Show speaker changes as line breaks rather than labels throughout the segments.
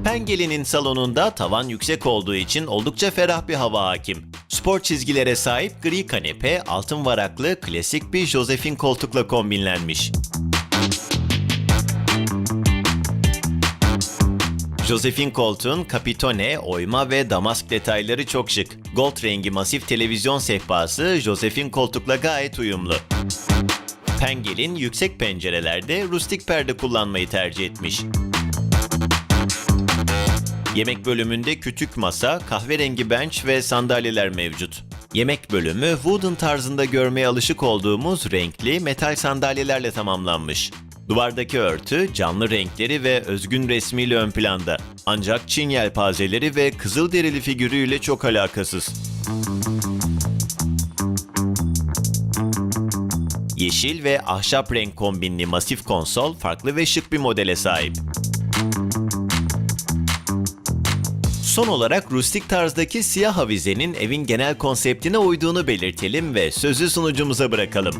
Pengel'in salonunda tavan yüksek olduğu için oldukça ferah bir hava hakim. Spor çizgilere sahip gri kanepe, altın varaklı klasik bir Josephine koltukla kombinlenmiş. Josephine koltuğun kapitone, oyma ve damask detayları çok şık. Gold rengi masif televizyon sehpası Josephine koltukla gayet uyumlu. Pengel'in yüksek pencerelerde rustik perde kullanmayı tercih etmiş. Yemek bölümünde kütük masa, kahverengi bench ve sandalyeler mevcut. Yemek bölümü wooden tarzında görmeye alışık olduğumuz renkli metal sandalyelerle tamamlanmış. Duvardaki örtü canlı renkleri ve özgün resmiyle ön planda. Ancak Çin yelpazeleri ve kızılderili figürüyle çok alakasız. Yeşil ve ahşap renk kombinli masif konsol farklı ve şık bir modele sahip. Son olarak rustik tarzdaki siyah avizenin evin genel konseptine uyduğunu belirtelim ve sözü sunucumuza bırakalım.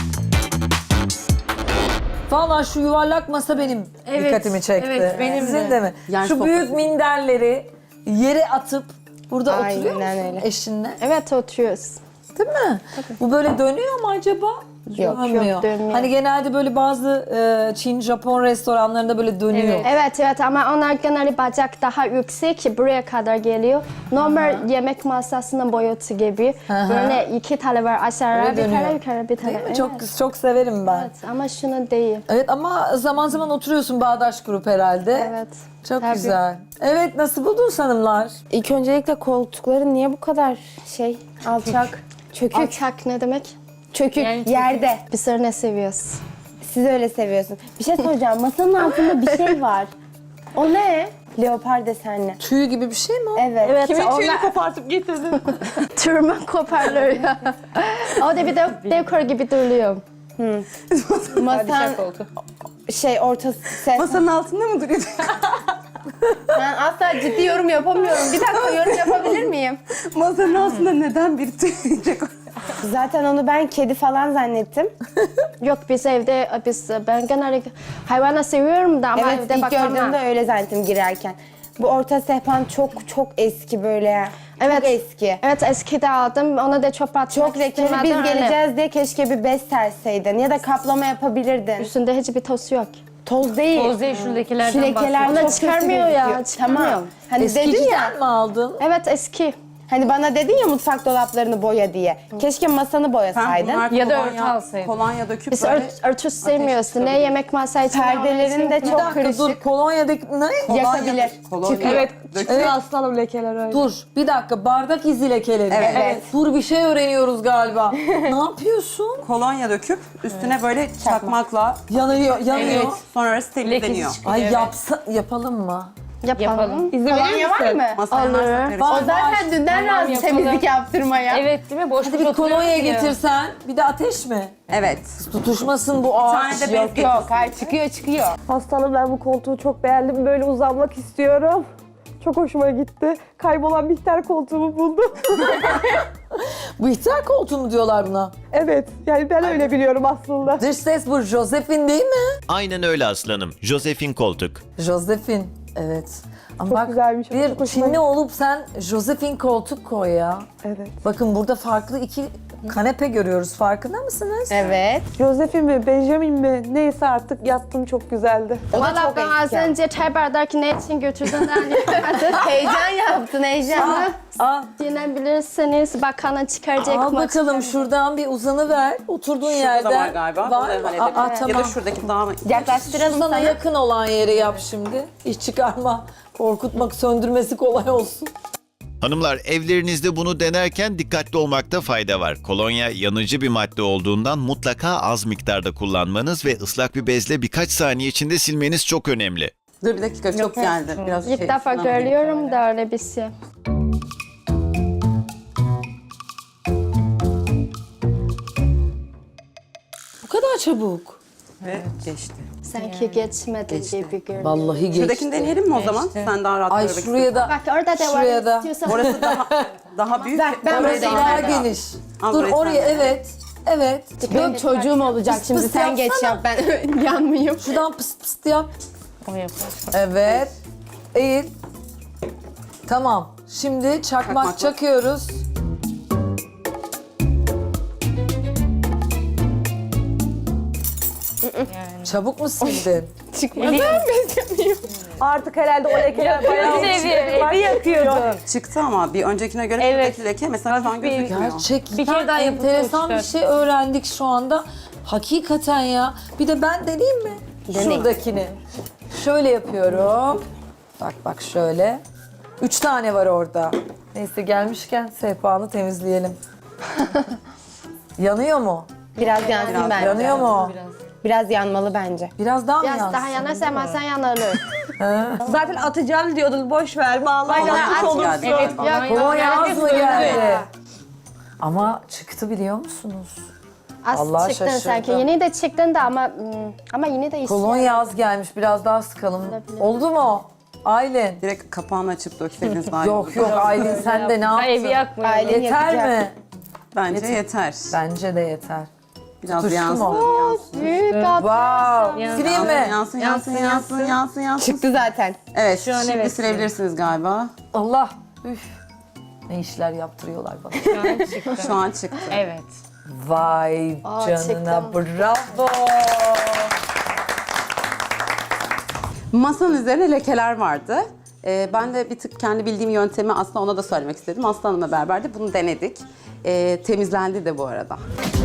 Valla şu yuvarlak masa benim dikkatimi çekti.
evet, benim
Sizin
de.
de mi?
Yani
Şu
sofrası.
büyük minderleri yere atıp burada
Aynen
oturuyor musun
öyle.
eşinle?
Evet oturuyoruz.
Değil mi? Bu böyle dönüyor mu acaba?
Yok, dönmüyor.
Hani genelde böyle bazı Çin, Japon restoranlarında böyle dönüyor.
Evet ama onlar genelde bacak daha yüksek buraya kadar geliyor. Normal yemek masasının boyutu gibi. Böyle iki tane var aşağıya
Öyle
bir
dönüyor.
tane yukarı bir tane.
Değil mi?
Evet.
Çok severim ben.
Evet, ama şunu değil.
Evet ama zaman zaman oturuyorsun Bağdaş Grup herhalde.
Evet.
Çok
Tabii.
güzel. Evet, nasıl buldun hanımlar?
İlk öncelikle koltukları niye bu kadar alçak? Çökük.
Alçak ne demek?
Çökük
Yani
yerde.
Biz öyle seviyoruz.
Siz öyle seviyorsun. Bir şey soracağım. Masanın altında bir şey var. O ne? Leopar desenli.
Tüy gibi bir şey mi o?
Evet.
Evet,
Kimin tüyünü
onlar
kopartıp getirdin?
tırman koparlıyor. O da bir de dekor gibi duruyor.
Masan ortası ses.
Masanın altında mı duruyor?
Ben asla ciddi yorum yapamıyorum. Bir dakika yorum yapabilir miyim?
Masanın altında neden bir tüy yiyecek?
Zaten onu ben kedi falan zannettim.
Yok biz evde ben genelde hayvanı seviyorum da ama
Evet
evde
ilk
bakamam.
gördüğümde öyle zannettim girerken. Bu orta sehpan çok eski böyle.
Evet.
Çok eski.
Evet eskide aldım. Ona da çöp atmak
Çok lekeli. Biz
istemedim, öyle.
geleceğiz diye keşke bir bez serseydin. Ya da kaplama yapabilirdin.
Üstünde hiçbir toz yok.
Toz değil.
Toz değil, şu lekelerden
Şu lekeler
Onlar
çok kötü
çıkarmıyor ya,
gözüküyor.
çıkarmıyor.
Tamam. Hani dedin ya.
Eskiciden mi aldın?
Evet eski.
Hani bana dedin ya mutfak dolaplarını boya diye. Keşke masanı boyasaydın.
Ya da örtü alsaydın. Kolonya döküp
Biz
böyle
örtü sevmiyoruz. Ne yemek masayı
Perdelerin de
Bir
çok
dakika dur,
kırışık.
kolonyadaki ne?
Yakabilir.
Kolonya.
Evet.
Döküp
aslanım lekeler öyle.
Dur, bir dakika, bardak izi lekeleri.
Evet.
Dur, bir şey öğreniyoruz galiba. Ne yapıyorsun?
kolonya döküp üstüne böyle çakmakla
Yanıyor.
evet. Sonra orası temizleniyor.
Ay yapalım mı?
yapalım.
Kolonya var mı?
Masaya
Olur.
varsa karışık.
O zaten dünden razı temizlik yaptırmaya.
Evet değil mi? Boş
Hadi bir kolonya getirsen, bir de ateş mi?
Evet.
Tutuşmasın bu
Bir
ağaç.
tane de bez getirsin.
Hayır çıkıyor.
Aslanım ben bu koltuğu çok beğendim. Böyle uzanmak istiyorum. Çok hoşuma gitti. Kaybolan Bihter koltuğumu buldum.
Bu ihtar koltuğu mu diyorlar buna?
Evet, yani ben öyle biliyorum aslında.
Dış ses bu Josephine değil mi?
Aynen öyle aslanım. Josephine koltuk.
Josephine, evet. Ama
Çok
bak,
güzelmiş, çok
bir
hoşuma
Çinli
gitti.
olup sen Josephine koltuk koy ya.
Evet.
Bakın burada farklı iki kanepe görüyoruz. Farkında mısınız?
Evet.
Josephine mi, Benjamin mi? Neyse artık yattım, çok güzeldi.
O da
Valla
çok
ben az
eski.
önce çay bardak ne için götürdün
Heyecan yaptın heyecan.
Al,
Dinleyebilirsiniz. Bakanı çıkaracak
al
mı?
bakalım şurada bir uzanıver. Oturduğun
Şurada
yerden.
da var galiba.
Var
Onu
mı?
halledelim.
Aa,
Ya
tamam.
da şuradaki daha mı?
Yaklaştıralım
Sana
sana.
yakın olan yeri yap şimdi. İş çıkarma, korkutmak, söndürmesi kolay olsun.
Hanımlar, evlerinizde bunu denerken dikkatli olmakta fayda var. Kolonya yanıcı bir madde olduğundan mutlaka az miktarda kullanmanız ve ıslak bir bezle birkaç saniye içinde silmeniz çok önemli.
Dur bir dakika çok geldi. Biraz
İlk defa
şuradan vereyim.
görüyorum da öyle bir şey.
Bu kadar çabuk.
Ve geçti.
Sanki geçmedi gibi görünüyor.
Vallahi geçti.
Şuradakini deneyelim mi o zaman? Sen daha rahat
Ay
görmek
şuraya da,
Bak orada da
şuraya
var.
da.
İstiyorsan
Orası daha büyük.
ben
Orayı
Orası
da
daha
ileride.
geniş.
Al
Dur
burayı
oraya,
sen de.
evet. Evet.
Benim çocuğum olacak
Pıs
şimdi
pıs
sen geç
yapsana.
yap ben yanmayayım.
Şuradan pıst pıst yap. Evet. Eğil. Tamam. Şimdi çakmak
Çakmak.
çakıyoruz. Çabuk mu sildin?
Artık herhalde o lekeler bayağı evi yakıyordun.
Çıktı ama bir öncekine göre şuradaki leke mesela şu an gözükmüyor.
Gerçekten
daha yapıp
enteresan bir
uçtu.
şey öğrendik şu anda. Hakikaten ya. Bir de ben deneyeyim mi? Şuradakini. Şöyle yapıyorum. Bak şöyle. 3 tane var orada. Neyse gelmişken sehpanı temizleyelim. Yanıyor mu?
Biraz yansın bence.
Yanıyor mu?
Biraz yanmalı bence.
Biraz daha mı
Biraz
yansın?
daha yanarsa masa yanarır.
Zaten atacağım diyordun. Boş ver. Vallahi yanlış
at
olursun.
geldi.
Kolonya az mı geldi? Ama çıktı biliyor musunuz?
Az
Allah
çıktın
şaşırdım.
sanki. Yine de çıktın da ama yine de istiyorum.
Kolonya az gelmiş. Biraz daha sıkalım. Oldu mu? Aylin.
Direkt kapağını açıp dökseydiniz daha iyi olur.
Yok Aylin sen de ne yaptın?
Evi yakmıyor.
Aylin
Yeter
yakacak.
mi?
Bence yeter.
Bence de yeter.
Biraz
Tutuştu
yansın.
mu?
Büyük
Wow. Sileyim mi?
Yansın.
Çıktı zaten.
Evet,
Şu an
şimdi
evet.
silebilirsiniz galiba.
Allah. Üf. Ne işler yaptırıyorlar bana.
Şu an çıktı.
Evet.
Vay canına
çıktım.
bravo.
Masanın üzerine lekeler vardı. Ben de bir tık kendi bildiğim yöntemi aslında ona da söylemek istedim. Aslı Hanım'la beraber de bunu denedik. Temizlendi de bu arada.